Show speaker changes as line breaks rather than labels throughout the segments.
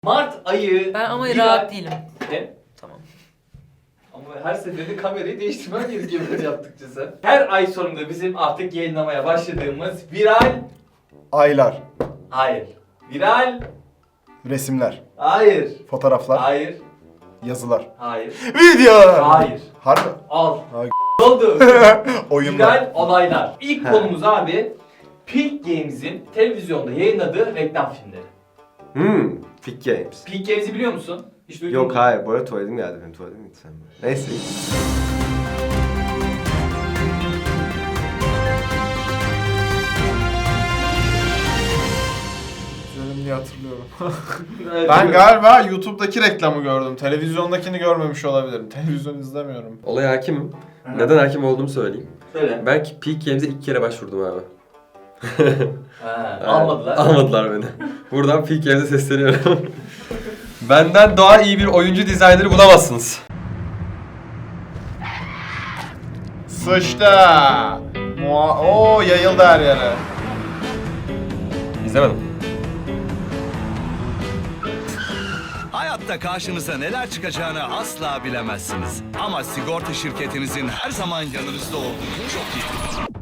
Mart ayı...
Ben ama
bir
rahat
ay-
değilim.
Ne?
Tamam.
Ama her seferinde kamerayı değiştirmen gerekiyor böyle yaptıkça sen. Her ay sonunda bizim artık yayınlamaya başladığımız viral...
Aylar,
Hayır. Viral...
resimler,
Hayır.
fotoğraflar,
Hayır.
yazılar,
Hayır.
videolar.
Hayır.
Harbi.
Al.
Ay.
Ne oldu?
Oyunlar.
Viral olaylar. İlk
He.
konumuz abi Peak Games'in televizyonda yayınladığı reklam filmleri.
Peak Games.
Peak Games'i biliyor musun? Hiç duydun
Yok
mu?
hayır, bu arada tuvaletim geldi benim, tuvaletim gitti sen. Neyse.
İzledim diye hatırlıyorum.
Evet,
Ben
biliyorum.
galiba YouTube'daki reklamı gördüm. Televizyondakini görmemiş olabilirim. Televizyon izlemiyorum.
Olaya hakimim. Neden hakim olduğumu söyleyeyim.
Söyle.
Ben Peak Games'e 2 kere başvurdum abi.
Ha, almadılar.
Almadılar beni. Buradan Peak Games'e sesleniyorum. Benden daha iyi bir oyuncu dizayneri bulamazsınız.
Sıçtı. Oo, yayıldı her yere.
İzlemedim.
Hayatta karşınıza neler çıkacağını asla bilemezsiniz. Ama sigorta şirketinizin her zaman yanınızda olduğunu çok iyi bilin.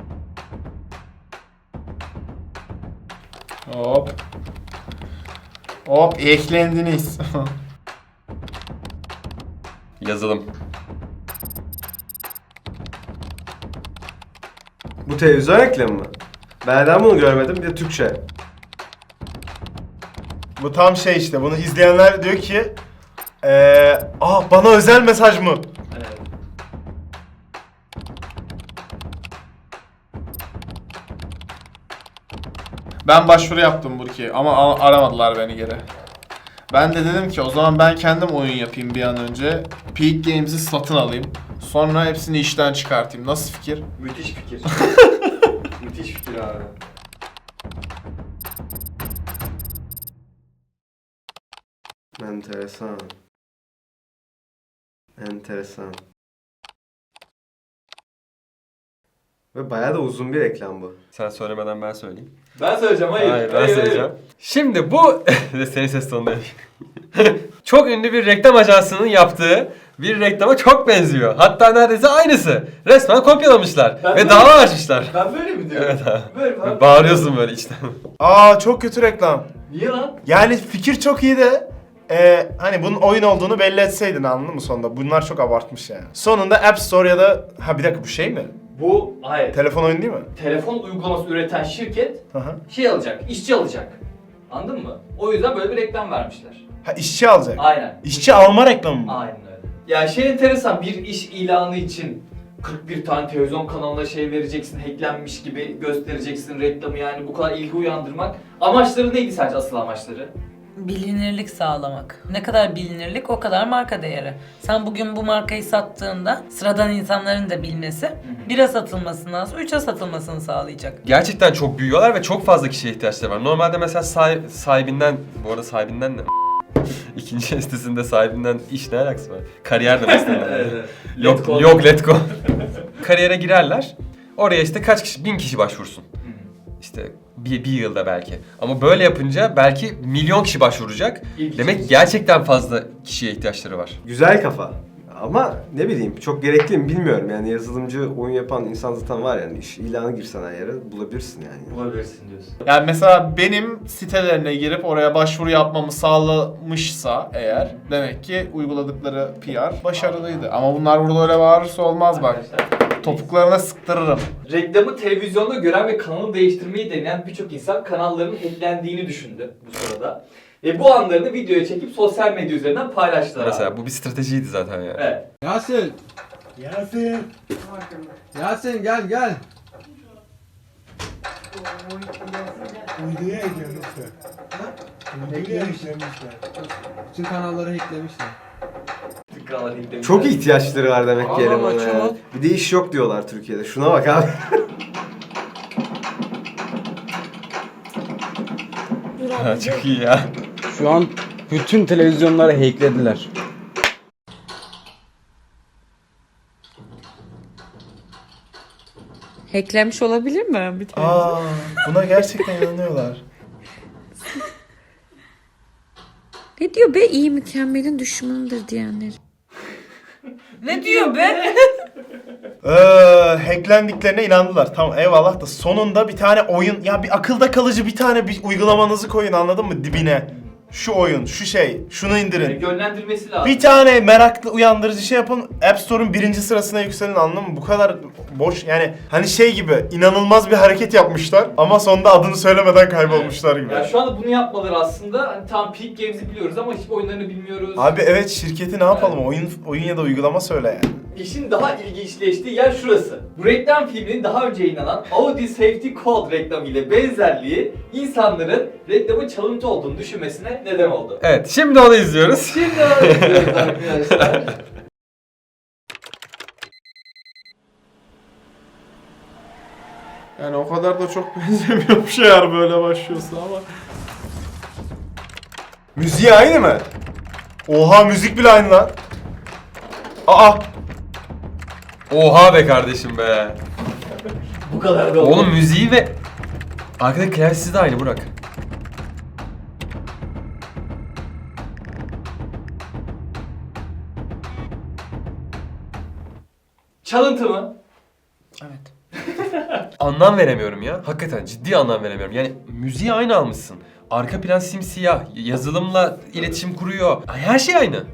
Hop. Hop, eklendiniz.
Yazılım.
Bu televizyon reklamı mı? Ben neden bunu görmedim? Bir de Türkçe.
Bu tam şey işte. Bunu izleyenler diyor ki bana özel mesaj mı?
Evet.
Ben başvuru yaptım Burki ama aramadılar beni geri. Ben de dedim ki o zaman ben kendim oyun yapayım bir an önce. Peak Games'i satın alayım. Sonra hepsini işten çıkartayım. Nasıl fikir?
Müthiş fikir. Müthiş fikir abi.
Enteresan. Enteresan. Ve bayağı da uzun bir reklam bu.
Sen söylemeden ben söyleyeyim.
Ben söyleyeceğim, hayır.
Hayır, ben söyleyeceğim. Şimdi bu... Senin ses tonunda değil. Çok ünlü bir reklam ajansının yaptığı bir reklama çok benziyor. Hatta neredeyse aynısı. Resmen kopyalamışlar.
Ben
Ve
böyle-
dava açmışlar.
Ben böyle mi diyorum?
Evet abi.
Böyle
Ve bağırıyorsun böyle içten.
Çok kötü reklam.
Niye lan?
Yani fikir çok iyi de hani bunun oyun olduğunu belli etseydin, anladın mı sonunda? Bunlar çok abartmış yani. Sonunda App Store ya da... Ha bir dakika, bu şey mi?
Bu, hayır.
Telefon oyunu değil mi?
Telefon uygulaması üreten şirket
Hı hı.
şey alacak, işçi alacak. Anladın mı? O yüzden böyle bir reklam vermişler.
Ha, işçi alacak.
Aynen.
İşçi alma reklamı mı?
Aynen öyle. Ya şey enteresan, bir iş ilanı için 41 tane televizyon kanalına şey vereceksin, hacklenmiş gibi göstereceksin reklamı, yani bu kadar ilgi uyandırmak. Amaçları neydi sence, asıl amaçları?
Bilinirlik sağlamak. Ne kadar bilinirlik o kadar marka değeri. Sen bugün bu markayı sattığında sıradan insanların da bilmesi 1'e satılmasından sonra 3'e satılmasını sağlayacak.
Gerçekten çok büyüyorlar ve çok fazla kişiye ihtiyaçları var. Normalde mesela sahibinden, bu arada sahibinden ne? İkinci sitesinde sahibinden iş ne alakası var? Kariyer demek istedim. Yok letgo. Kariyere girerler. Oraya işte kaç kişi? 1000 kişi başvursun. İşte bir yılda belki. Ama böyle yapınca belki milyon kişi başvuracak. Demek gerçekten fazla kişiye ihtiyaçları var.
Güzel kafa. Ama ne bileyim, çok gerekli mi bilmiyorum yani. Yazılımcı, oyun yapan insan zaten var yani. İş ilanı girsen her yere bulabilirsin yani.
Bulabilirsin diyorsun.
Yani mesela benim sitelerine girip oraya başvuru yapmamı sağlamışsa eğer, demek ki uyguladıkları PR başarılıydı. Ama bunlar burada öyle bağırırsa olmaz bak.
Arkadaşlar,
Topuklarına sıktırırım.
reklamı televizyonda gören ve kanalı değiştirmeyi deneyen birçok insan kanallarının hacklendiğini düşündü bu sırada. Ve bu anlarını videoya çekip sosyal medya üzerinden paylaştılar
Mesela
abi.
bu bir stratejiydi zaten yani.
Evet.
Yasin. Yasin gel gel.
Uyduya eklemişler. Uyduya eklemişler.
Bütün kanalları hacklemişler.
Kanalları hacklemişler.
Çok ihtiyaçları var demek ki
Adam
elemana
açıyor
yani.
lan.
Bir de iş yok diyorlar Türkiye'de. Şuna bak abi.
Ha, çok iyi ya.
Şu an bütün televizyonları hacklediler.
Hacklenmiş olabilir mi? Bir
Buna gerçekten inanıyorlar.
Ne diyor be, iyi mükemmelin düşmanıdır diyenler.
Ne diyor be?
Hacklendiklerine inandılar. Tamam eyvallah da sonunda bir tane oyun, ya bir akılda kalıcı bir tane bir uygulamanızı koyun, anladın mı, dibine. Şu oyun, şu şey, şunu indirin.
Yönlendirmesi lazım.
Bir tane meraklı uyandırıcı şey yapın, App Store'un 1. sırasına yükselin, anladın mı? Bu kadar boş yani, hani şey gibi inanılmaz bir hareket yapmışlar ama sonunda adını söylemeden kaybolmuşlar gibi.
Yani şu anda bunu yapmaları aslında hani tam Peak Games'i biliyoruz ama hiçbir oyunlarını bilmiyoruz.
Abi evet, şirketi ne yapalım? Oyun ya da uygulama söyle yani.
İşin daha ilginçleştiği yer şurası. Bu reklam filminin daha önce yayınlanan Audi Safety Code reklamı ile benzerliği insanların reklamın çalıntı olduğunu düşünmesine neden oldu.
Evet, şimdi onu izliyoruz.
Şimdi öğreniyoruz arkadaşlar.
Yani o kadar da çok benzemiyor bir şeyler böyle başlıyorsa ama.
Müziği aynı mı? Oha, müzik bile aynı lan. Aa!
Oha be kardeşim be.
Bu kadar da oldu.
Oğlum müziği ve arkadaki klavyesi de aynı Burak.
Çalıntı mı?
Evet.
Anlam veremiyorum ya. Hakikaten ciddi anlam veremiyorum. Yani müziği aynı almışsın. Arka plan simsiyah. Yazılımla iletişim kuruyor. Her şey aynı.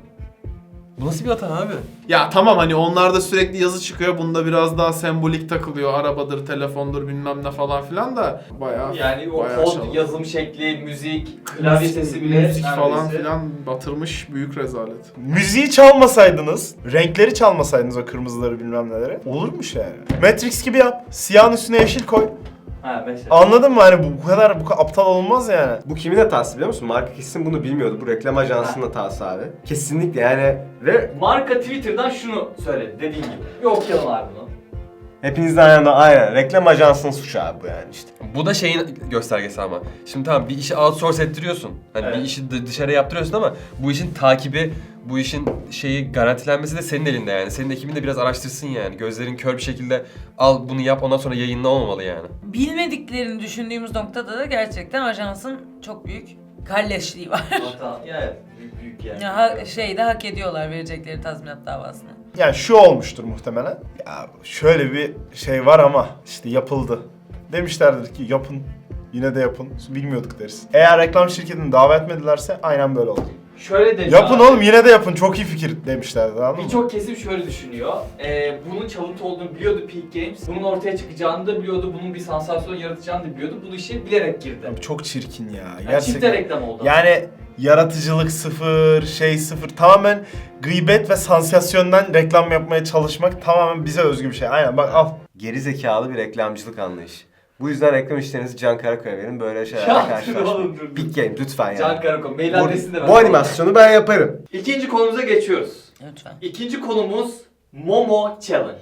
Bu nasıl bir hata abi?
Ya tamam, hani onlarda sürekli yazı çıkıyor. Bunda biraz daha sembolik takılıyor. Arabadır, telefondur, bilmem ne falan filan da bayağı
Yani o
bayağı
kod,
çalıntı.
yazım şekli, müzik, klavye sesi bile
müzik falan
neredeyse.
filan batırmış, büyük rezalet.
Müziği çalmasaydınız, renkleri çalmasaydınız, o kırmızıları bilmem neleri, olurmuş yani. Matrix gibi yap. Siyahın üstüne yeşil koy.
Ha mesela.
Anladın mı? Hani bu kadar aptal olmaz yani.
Bu kimin hatası biliyor musun? Marka kesin bunu bilmiyordu. Bu reklam ajansının hatası abi. Kesinlikle yani ve
Marka Twitter'dan şunu söyledi dediğin gibi. Bir okuyalım abi bunu.
hepinizden yana aynen. Reklam ajansının suçu abi bu yani işte.
Bu da şeyin göstergesi ama. Şimdi tamam, bir işi outsource ettiriyorsun. Hani
Evet.
bir işi dışarıya yaptırıyorsun ama bu işin takibi, bu işin şeyi garantilenmesi de senin elinde yani. Senin ekibin de biraz araştırsın yani. Gözlerin kör bir şekilde al bunu yap, ondan sonra yayınla olmamalı yani.
Bilmediklerini düşündüğümüz noktada da gerçekten ajansın çok büyük kalleşliği var.
Hata. Yani büyük yani.
Ya şeyde hak ediyorlar verecekleri tazminat davasını.
Yani şu olmuştur muhtemelen. Ya şöyle bir şey var ama işte yapıldı. Demişlerdir ki yapın, yine de yapın. Bilmiyorduk deriz. Eğer reklam şirketini davet etmedilerse aynen böyle oldu.
Şöyle dedi.
Yapın oğlum, yine de yapın, çok iyi fikir demişlerdi, anladın mı?
Birçok kesim şöyle düşünüyor. Bunun çalıntı olduğunu biliyordu Peak Games. Bunun ortaya çıkacağını da biliyordu. Bunun bir sansasyon yaratacağını da biliyordu. Bu işi bilerek girdi.
Abi çok çirkin ya.
Yani çifte reklam oldu.
Yani yaratıcılık sıfır, şey sıfır. Tamamen gıybet ve sansasyondan reklam yapmaya çalışmak tamamen bize özgü bir şey. Aynen bak al.
Geri zekalı bir reklamcılık anlayışı. Bu yüzden reklam işlerinizi Can Karakoy'a verin. Böyle
Ya,
şeylerle
dur
karşılaşmayın.
oğlum, dur.
Big Game lütfen yani.
Can Karakoy. Mail adresini de ver.
Bu animasyonu ben yaparım.
İkinci konumuza geçiyoruz.
Lütfen.
İkinci konumuz Momo Challenge.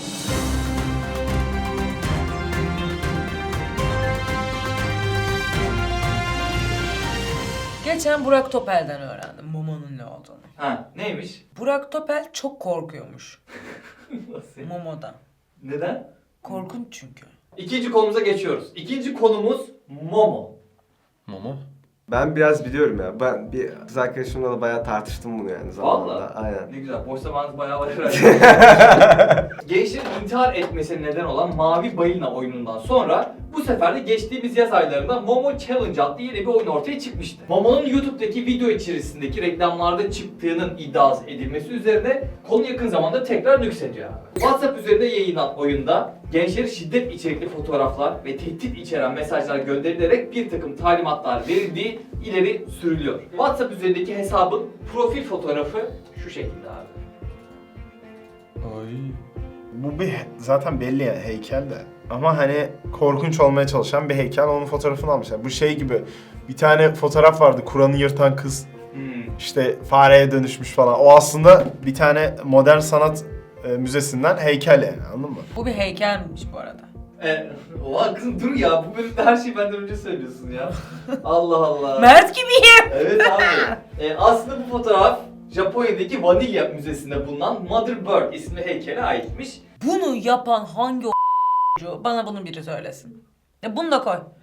Geçen Burak Topel'den öğrendim Momo'nun ne olduğunu.
Ha, neymiş?
Burak Topel çok korkuyormuş
Nasıl?
Momo'dan.
Neden?
Korkunç çünkü.
İkinci konumuza geçiyoruz. İkinci konumuz Momo.
Momo.
Ben biraz biliyorum ya. Ben bir kız arkadaşımla da bayağı tartıştım bunu yani zamanında.
Vallahi.
Aynen.
Ne güzel. Boş zamanınız bayağı var herhalde. Gençlerin intihar etmesine neden olan Mavi Balina oyunundan sonra bu sefer de geçtiğimiz yaz aylarında Momo Challenge adlı yeni bir oyun ortaya çıkmıştı. Momo'nun YouTube'daki video içerisindeki reklamlarda çıktığının iddia edilmesi üzerine konu yakın zamanda tekrar nüksediyor abi. WhatsApp üzerinde yayınlanan oyunda gençlere şiddet içerikli fotoğraflar ve tehdit içeren mesajlar gönderilerek bir takım talimatlar verildiği ileri sürülüyor. WhatsApp üzerindeki hesabın profil fotoğrafı şu şekilde abi.
Ay.
Bu bir zaten belli yani, heykel de. Ama hani korkunç olmaya çalışan bir heykel, onun fotoğrafını almışlar. Bu şey gibi, bir tane fotoğraf vardı, Kur'an'ı yırtan kız. İşte fareye dönüşmüş falan. O aslında bir tane modern sanat müzesinden heykel yani, anladın mı?
Bu bir heykelmiş bu arada.
Oha kızım dur ya, bu bölümde her şeyi benden önce söylüyorsun ya. Allah Allah.
Mert gibiyim.
Evet abi. Aslında bu fotoğraf Japonya'daki Vanilya Müzesi'nde bulunan Mother Bird isimli heykele aitmiş.
Bunu yapan hangi bana bunu biri söylesin. Bunu da koy.
Evet.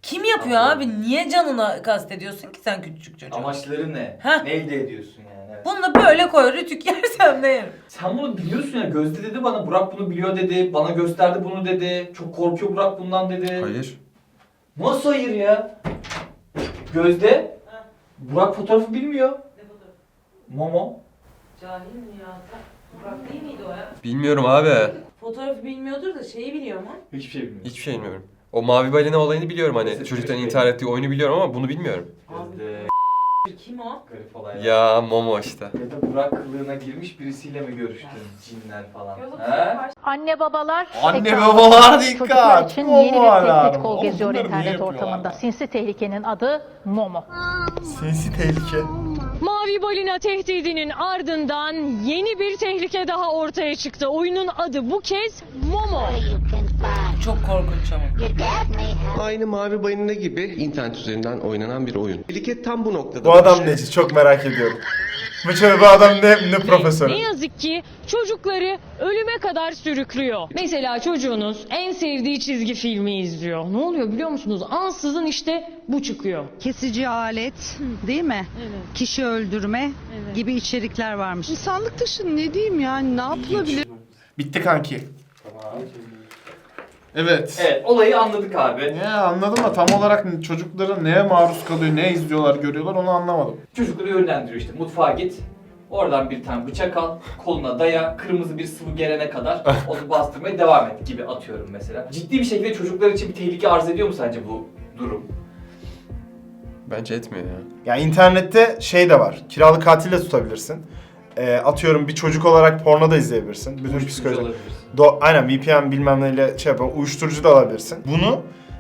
Kim yapıyor abi? Niye canına kastediyorsun ki sen küçücük çocuğa?
Amaçları ne?
Heh.
Ne elde ediyorsun yani? Evet.
Bunu da böyle koy, rütük yersem de yerim.
Sen bunu biliyorsun ya. Gözde dedi bana, Burak bunu biliyor dedi. Bana gösterdi bunu dedi. Çok korkuyor Burak bundan dedi.
Hayır.
Nasıl hayır ya? Gözde. Burak fotoğrafı bilmiyor.
Ne fotoğrafı?
Momo.
Cahil mi ya? Burak değil miydi o ya?
Bilmiyorum abi.
Fotoğrafı bilmiyordur da şeyi biliyor mu?
Hiçbir şey bilmiyor.
Hiçbir şey bilmiyorum. O mavi balina olayını biliyorum hani.
Neyse,
Çocukların
çocuk
intihar ettiği oyunu biliyorum ama bunu bilmiyorum.
Gözde.
Kim o?
Garip olaylar.
Ya Momo işte.
Ya da Burak kılığına girmiş birisiyle mi görüştün? Cinler falan. Ha?
Anne babalar,
Anne
tekrar
babalar
çocuklar
dikkat.
için
Momo
yeni bir
alarmı.
tehdit kol
Oğlum
geziyor
bunları niye
internet
yapıyorlar
ortamında.
ya?
Sinsi tehlikenin adı Momo.
Sinsi tehlike.
Mavi balina tehdidinin ardından yeni bir tehlike daha ortaya çıktı. Oyunun adı bu kez Momo.
Çok korkunç ama.
Aynı Mavi Balina gibi internet üzerinden oynanan bir oyun. Tehlike tam bu noktada.
Bu adam neci? Çok merak ediyorum. Bu adam ne profesörü?
Ne yazık ki çocukları ölüme kadar sürüklüyor. Mesela çocuğunuz en sevdiği çizgi filmi izliyor. Ne oluyor biliyor musunuz? Ansızın işte bu çıkıyor.
Kesici alet değil mi?
Evet.
Kişi öldürme gibi içerikler varmış. İnsanlık dışı ne diyeyim yani ne yapılabilir?
Bitti kanki. Evet.
Evet, olayı anladık abi.
Ya anladım da tam olarak çocukların neye maruz kalıyor, ne izliyorlar, görüyorlar onu anlamadım.
Çocukları yönlendiriyor işte. Mutfağa git. Oradan bir tane bıçak al, koluna daya, kırmızı bir sıvı gelene kadar onu bastırmaya devam et gibi atıyorum mesela. Ciddi bir şekilde çocuklar için bir tehlike arz ediyor mu sence bu durum?
Bence etmiyor ya.
Ya internette şey de var. Kiralık katil de tutabilirsin. Atıyorum bir çocuk olarak porno da izleyebilirsin. Bütün
Uyuşturucu
psikoloji.
olabilirsin.
Aynen VPN bilmem neyle şey yapan uyuşturucu da alabilirsin. Bunu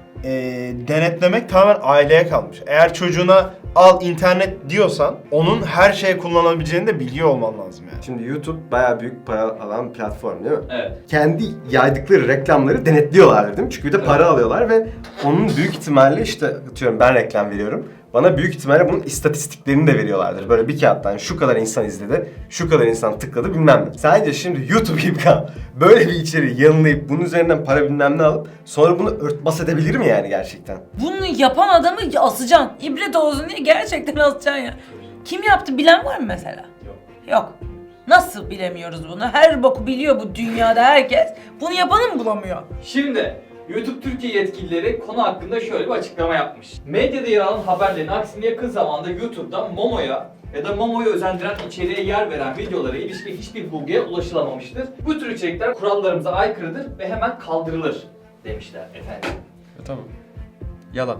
denetlemek tamamen aileye kalmış. Eğer çocuğuna al internet diyorsan onun her şeye kullanabileceğini de biliyor olman lazım yani.
Şimdi YouTube bayağı büyük para alan platform değil mi?
Evet.
Kendi yaydıkları reklamları denetliyorlardır değil mi? Çünkü bir de para alıyorlar ve onun büyük ihtimalle işte atıyorum ben reklam veriyorum. Bana büyük ihtimalle bunun istatistiklerini de veriyorlardır. Böyle bir kağıttan şu kadar insan izledi, şu kadar insan tıkladı bilmem ne. Sence şimdi YouTube gibi böyle bir içeriği yanılayıp bunun üzerinden para bilmem ne alıp sonra bunu örtbas edebilir mi yani gerçekten?
Bunu yapan adamı asacaksın. İbret olsun diye gerçekten asacaksın ya. Kim yaptı bilen var mı mesela?
Yok.
Yok. Nasıl bilemiyoruz bunu? Her boku biliyor bu dünyada herkes. Bunu yapanı mı bulamıyor?
Şimdi YouTube Türkiye yetkilileri konu hakkında şöyle bir açıklama yapmış. Medyada yer alan haberlerin aksine yakın zamanda YouTube'da Momo'ya ya da Momo'yu özendiren içeriğe yer veren videolara ilişkin hiçbir bulguya ulaşılamamıştır. Bu tür içerikler kurallarımıza aykırıdır ve hemen kaldırılır demişler efendim.
Tamam. Yalan.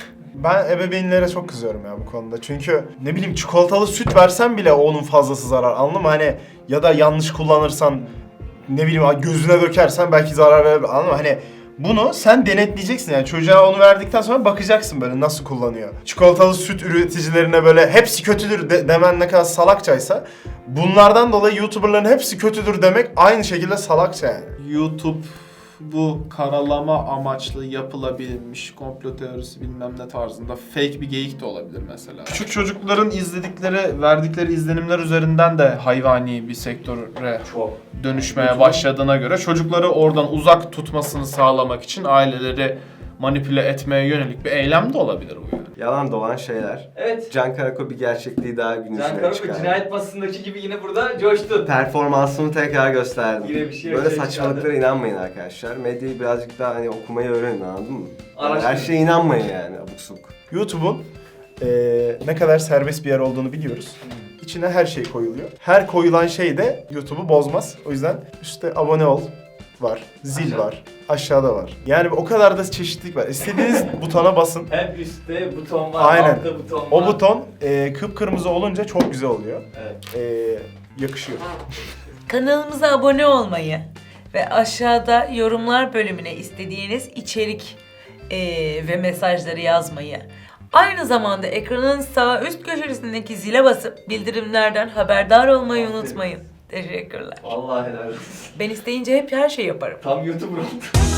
Ben ebeveynlere çok kızıyorum ya bu konuda. Çünkü ne bileyim çikolatalı süt versen bile onun fazlası zarar. Anladın mı? Hani ya da yanlış kullanırsan ne bileyim gözüne dökersen belki zarar verebilir. Anladın mı? Hani bunu sen denetleyeceksin yani çocuğa onu verdikten sonra bakacaksın böyle nasıl kullanıyor. Çikolatalı süt üreticilerine böyle hepsi kötüdür demen ne kadar salakçaysa bunlardan dolayı YouTuber'ların hepsi kötüdür demek aynı şekilde salakça yani.
YouTube bu karalama amaçlı yapılabilmiş komplo teorisi bilmem ne tarzında fake bir geyik de olabilir mesela. Küçük çocukların izledikleri, verdikleri izlenimler üzerinden de hayvani bir sektöre
Çok.
dönüşmeye başladığına göre çocukları oradan uzak tutmasını sağlamak için aileleri manipüle etmeye yönelik bir eylem de olabilir bu yani.
Yalan dolan şeyler.
Evet.
Can Karako bir gerçekliği daha gün
Can
yüzüne
Karako
çıkardı.
cinayet masasındaki gibi yine burada coştun.
Performansını tekrar gösterdi.
Yine bir şey
Böyle
ortaya
saçmalıklara
çıkardı.
inanmayın arkadaşlar. Medyayı birazcık daha hani okumayı öğrenin anladın mı?
Araştırın.
Her şeye inanmayın yani abuk subuk.
YouTube'un ne kadar serbest bir yer olduğunu biliyoruz. İçine her şey koyuluyor. Her koyulan şey de YouTube'u bozmaz. O yüzden üstte abone ol var, zil var, aşağıda var. Yani o kadar da çeşitlilik var. İstediğiniz butona basın.
Hem üstte buton var,
Aynen.
altta buton var.
O buton kıpkırmızı olunca çok güzel oluyor.
Evet.
Yakışıyor.
Kanalımıza abone olmayı ve aşağıda yorumlar bölümüne istediğiniz içerik ve mesajları yazmayı. Aynı zamanda ekranın sağ üst köşesindeki zile basıp bildirimlerden haberdar olmayı unutmayın. Teşekkürler.
Vallahi helal olsun.
Ben isteyince hep her şeyi yaparım.
Tam YouTuber oldu.